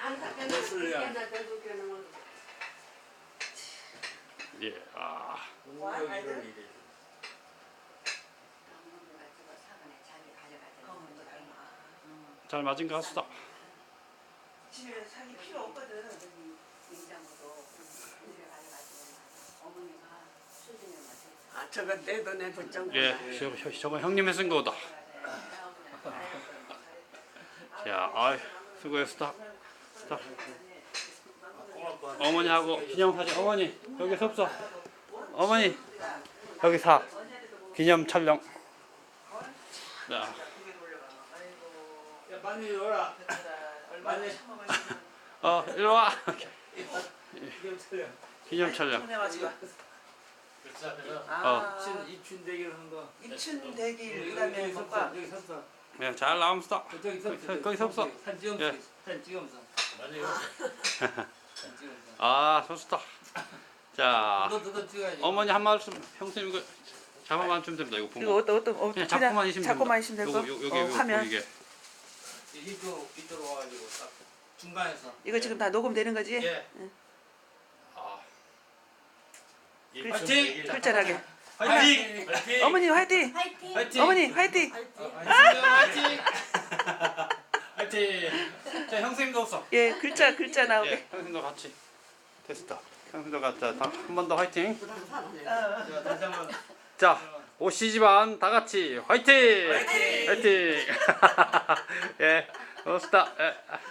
예, 아. 잘 맞은 것 같습니다. 집에 사기 필요 없거든. 아, 저건 내도 내 걱정. 예, 저거 형님이 쓴 거다. 자, 아이, 수고했어. 자, 어머니하고 기념사진. 어머니 여기 섭서. 어머니 여기 사. 기념 촬영. 자, 많이 놀아. 많이 이리 와. 기념 촬영. 기념 촬영. 입춘 대기를 한 거. 입춘 대길 그다음에 뭐가 여기 섰어. 예, 잘 나옵니다. 저기 섰어. 거기 섰어. 사진 찍으면서. 예. 사진 찍으면서. 사진 찍으면서. 아, 좋다. 자, 너도 찍어야지. 어머니 한 말씀. 형수님 이거 잡아만 주면 됩니다. 이거 이거 보고. 어떤 그냥 잡고만 있으면 잡고만 됩니다. 있으면 되고. 여기 화면. 보이게. 이쪽으로 와가지고 딱 중간에서. 이거 지금 다 녹음되는 거지? 예. 아, 화이팅! 글자하게. 화이팅! 화이팅! 어머니 화이팅! 화이팅! 어머니 화이팅! 화이팅! 화이팅! 자, 형수님도 없어. 예, 글자 나오게. 예, 형수님도 같이. 됐다. 형수님도 같이. 한 번 더 화이팅. 자, 다시 한번. 자, 오씨 집안 다 같이 화이팅! 화이팅! 예, 좋습니다. 예.